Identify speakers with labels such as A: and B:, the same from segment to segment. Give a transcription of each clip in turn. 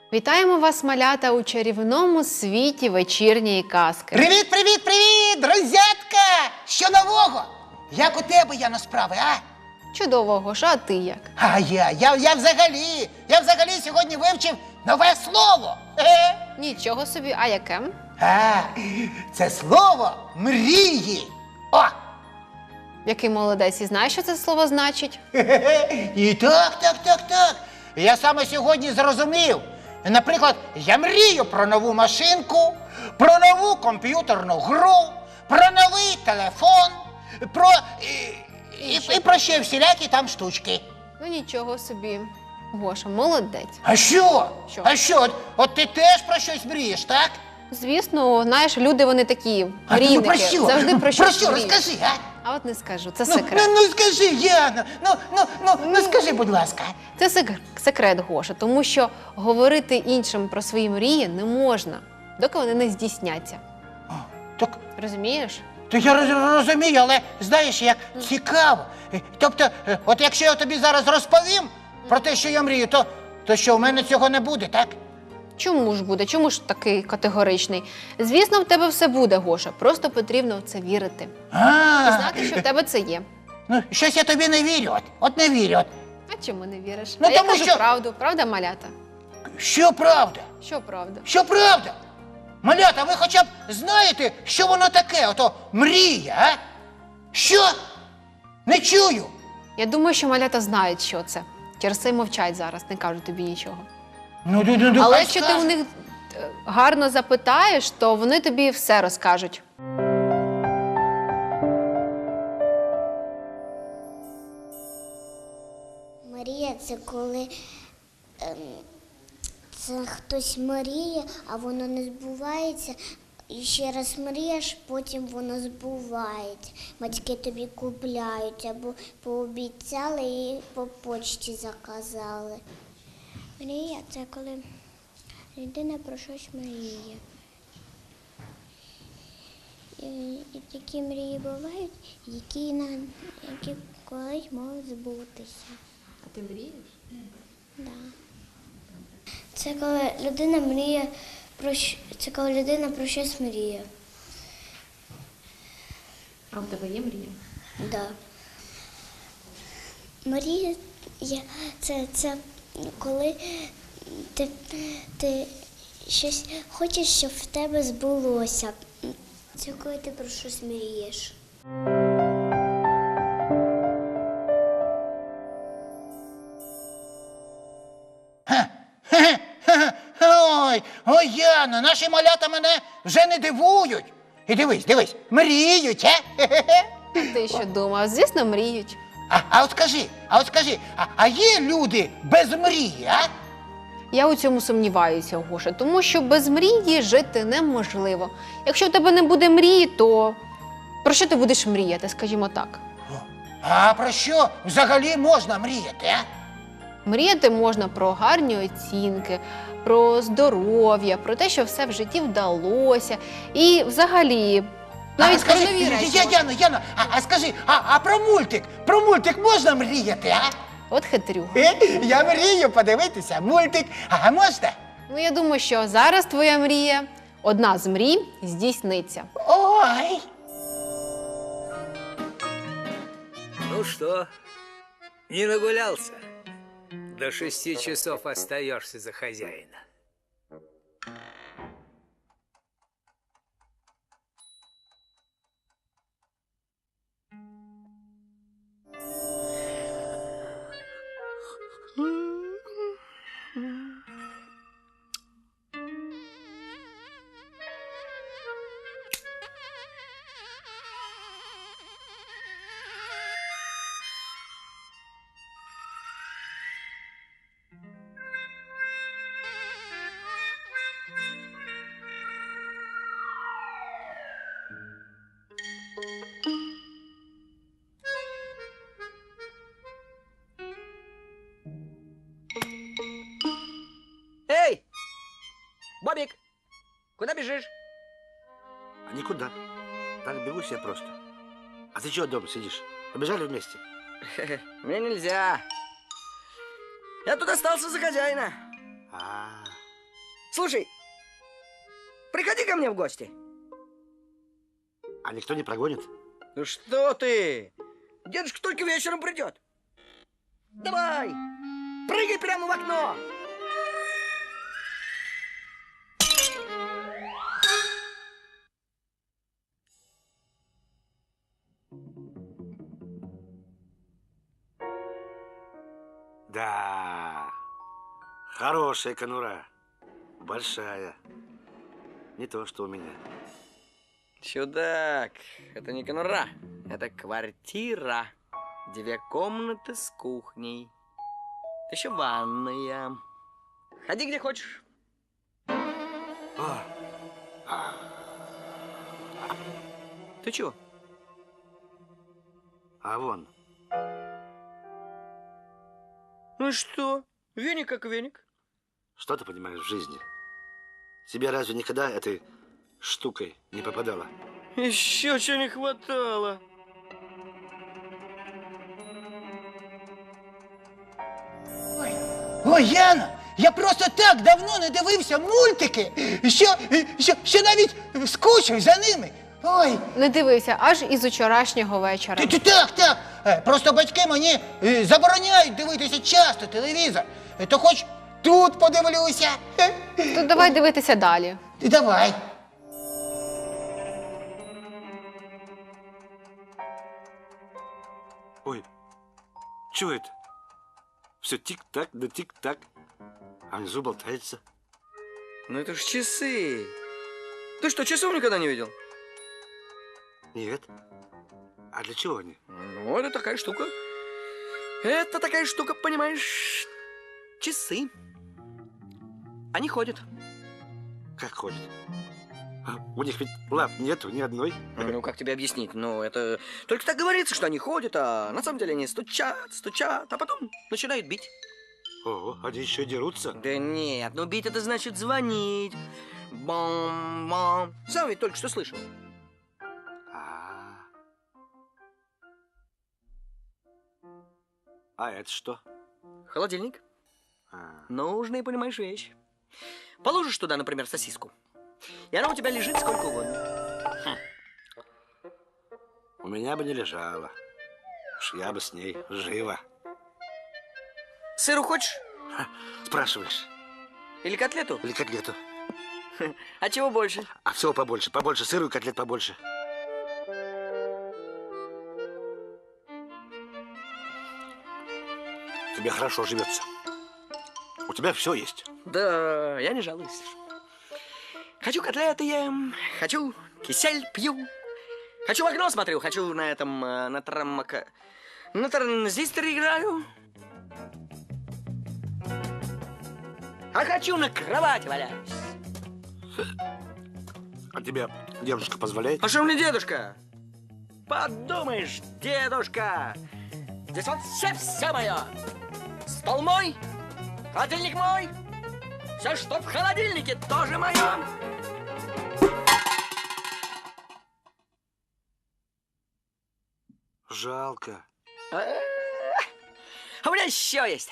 A: Вітаємо вас, малята, у чарівному світі вечірньої казки.
B: Привіт, привіт, привіт, друзятка! Що нового? Як у тебе, Яно, справи, а?
A: Чудово, Гоша, а ти як?
B: А я взагалі сьогодні вивчив нове слово.
A: Нічого собі, а яке?
B: Це слово мрії. О!
A: Який молодець і знаєш, що це слово значить?
B: І так. Я саме сьогодні зрозумів. Наприклад, я мрію про нову машинку, про нову комп'ютерну гру, про новий телефон, і про ще всілякі там штучки.
A: Ну нічого собі, Гоша, молодець.
B: А що?
A: Що?
B: А що? От ти теж про щось мрієш, так?
A: Звісно, знаєш, люди вони такі,
B: А ти
A: мрійники,
B: про що?
A: завжди про щось
B: Про що?
A: мріють.
B: Розкажи, а?
A: А от не скажу, це секрет.
B: Ну скажи, Яна, ну скажи, будь ласка.
A: Це секрет, Гоша, тому що говорити іншим про свої мрії не можна, доки вони не здійсняться.
B: Так,
A: Розумієш?
B: то я розумію, але знаєш, як цікаво. Тобто, от якщо я тобі зараз розповім про те, що я мрію, то що, у мене цього не буде, так?
A: Чому ж буде? Чому ж такий категоричний? Звісно, в тебе все буде, Гоша, просто потрібно в це вірити. І знати, що в тебе це є.
B: Ну, щось я тобі не вірю, от не вірю.
A: А чому не віриш?
B: Ну,
A: а я
B: тому
A: кажу
B: що-
A: правду, правда, малята?
B: Що правда?
A: Що правда?
B: Що правда? Малята, ви хоча б знаєте, що воно таке, ото мрія, а? Що? Не чую.
A: Я думаю, що малята знають, що це. Через це й мовчать зараз, не кажуть тобі нічого.
B: Ну,
A: Але
B: хай
A: якщо ти
B: скажуть.
A: у них гарно запитаєш, то вони тобі все розкажуть.
C: Мрія це коли це хтось мріє, а воно не збувається. І ще раз мрієш, потім воно збувається. Батьки тобі купляють або пообіцяли і по почті заказали. Мрія це коли людина про щось мріє. І такі мрії бувають, які колись можуть збутися.
A: А ти мрієш?
C: Да. Це коли людина мріє це коли людина про щось мріє.
A: А у тебе є мрія?
C: Да. Мрія це коли ти щось хочеш, щоб в тебе збулося. Це коли ти про щось мрієш.
B: Ой, Яно, наші малята мене вже не дивують. І дивись, мріють, а?
A: Ти що думав? Звісно, мріють.
B: А от скажи, а є люди без мрії, а?
A: Я у цьому сумніваюся, Гоша, тому що без мрії жити неможливо. Якщо в тебе не буде мрії, то про що ти будеш мріяти, скажімо так?
B: А про що взагалі можна мріяти, а?
A: Мріяти можна про гарні оцінки, про здоров'я, про те, що все в житті вдалося. І взагалі, навіть про нові речі.
B: Яна, а скажи, а про мультик можна мріяти, а?
A: От хитрюга.
B: Я мрію подивитися мультик, а можна?
A: Ну, я думаю, що зараз твоя мрія, одна з мрій, здійсниться.
B: Ой!
D: Ну что, не нагулялся? До 6 часов остаешься за хозяина. Эй! Бобик! Куда бежишь?
E: А никуда. Так бегу себе просто. А ты чего дома сидишь? Побежали вместе?
D: Мне нельзя. Я тут остался за хозяина.
E: А,
D: Слушай, приходи ко мне в гости.
E: А никто не прогонит?
D: Ну что ты? Дедушка только вечером придет. Давай, прыгай прямо в окно.
E: Да, хорошая конура. Большая. Не то, что у меня.
D: Чудак, это не конура, это квартира. 2 комнаты с кухней. Еще ванная. Ходи где хочешь. Ты чего?
E: А вон,
D: Ну и что? Веник как веник.
E: что ты понимаешь в жизни? Тебе разве никогда этой штукой не попадало?
D: Еще чего не хватало.
B: Ой, Яна, я просто так давно не дивився мультики, що навіть скучив за ними. Ой,
A: Не дивися, аж із учорашнього вечора.
B: так. Просто батьки мені забороняють дивитися часто телевізор. То хоч тут подивлюся.
A: То давай дивитися далі.
B: Давай.
E: Ой, что это? Все тик-так, да тик-так. А внизу болтается.
D: Ну это ж часы. Ты что, часов никогда не видел?
E: Нет. А для чего они?
D: Ну, это такая штука. Это такая штука, понимаешь, часы. Они ходят.
E: Как ходят? У них ведь лап нету ни одной.
D: Ну, как тебе объяснить? Ну, это только так говорится, что они ходят, а на самом деле они стучат, а потом начинают бить.
E: Ого, они еще и дерутся.
D: Да нет, ну бить это значит звонить. Бам-бам. Сам ведь только что слышал.
E: А это что?
D: Холодильник.
E: А,
D: Нужная, понимаешь, вещь. Положишь туда, например, сосиску, и она у тебя лежит сколько угодно.
E: у меня бы не лежала. Уж я бы с ней живо.
D: Сыру хочешь?
E: Спрашиваешь?
D: Или котлету?
E: Или котлету?
D: А чего больше?
E: А всего побольше. Побольше сыру и котлет побольше. Тебе хорошо живется. У тебя все есть.
D: Да, я не жалуюсь. Хочу котлеты ем, хочу кисель пью, хочу в окно смотрю, хочу на этом, на транзисторе играю. А хочу на кровати валяюсь.
E: А тебе дедушка позволяет?
D: А что мне дедушка? Подумаешь, дедушка! Здесь вот все мое. Стол мой, холодильник мой, все, что в холодильнике, тоже мое.
E: Жалко.
D: А у меня еще есть.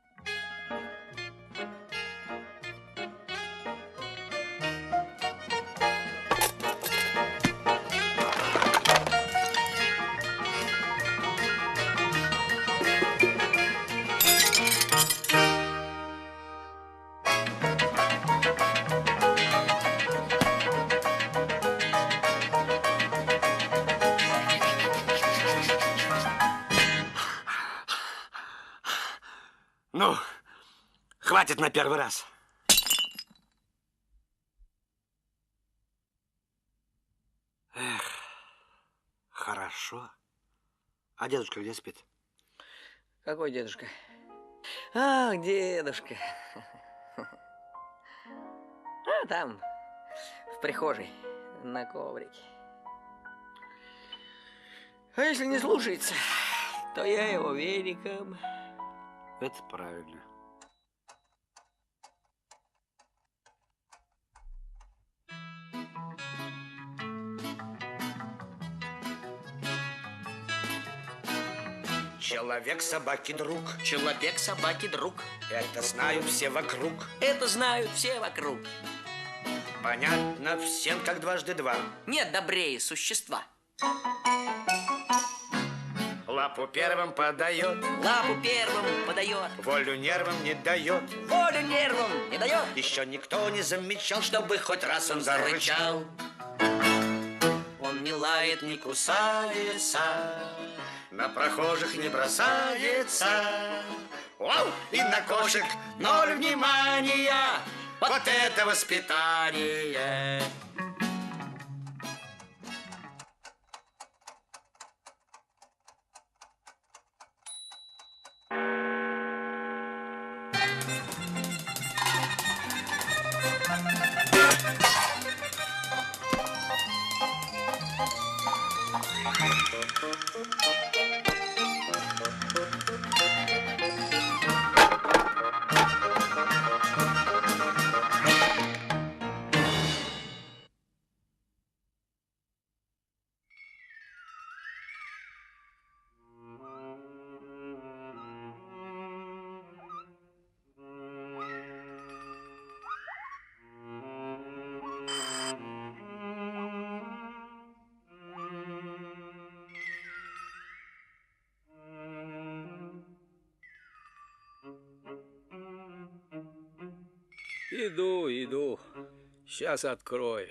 E: Ну, хватит на первый раз. Эх, хорошо. А дедушка где спит?
D: Какой дедушка? Ах, дедушка. А, там, в прихожей, на коврике. А если не слушается, то я его веником.
E: Это правильно. Человек собаки друг.
D: Человек собаки друг.
E: Это знают все вокруг.
D: Это знают все вокруг.
E: Понятно всем, как дважды два.
D: Нет добрее существа.
E: Лапу первым подает,
D: Лапу первым подает,
E: волю нервам не дает.
D: волю нервам не дает,
E: Еще никто не замечал,
D: чтобы хоть раз он зарычал. Он не лает, не кусается,
E: на прохожих не бросается. Вау! И на кошек ноль внимания. Вот это воспитание.
F: Иду, иду. Сейчас открою.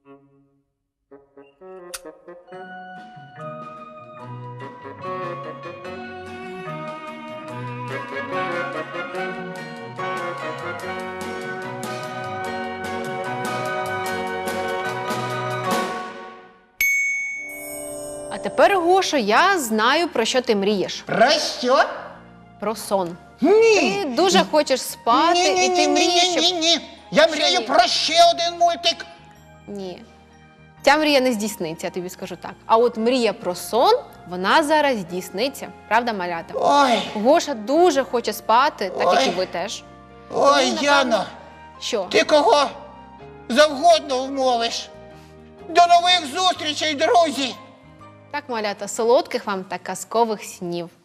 A: А тепер, Гошо, я знаю, про що ти мрієш.
B: Про що?
A: Про сон.
B: Ні.
A: Ти дуже хочеш спати, і ти мрієш, щоб...
B: Ні. Я
A: Що
B: мрію
A: ні?
B: про ще один мультик.
A: Ні. Ця мрія не здійсниться, я тобі скажу так. А от мрія про сон, вона зараз здійсниться. Правда, малята?
B: Ой,
A: Гоша дуже хоче спати, так як і
B: Ой.
A: ви теж.
B: ой,
A: напевно,
B: Яно,
A: Що?
B: ти кого завгодно вмовиш. До нових зустрічей, друзі!
A: Так, малята, солодких вам та казкових снів.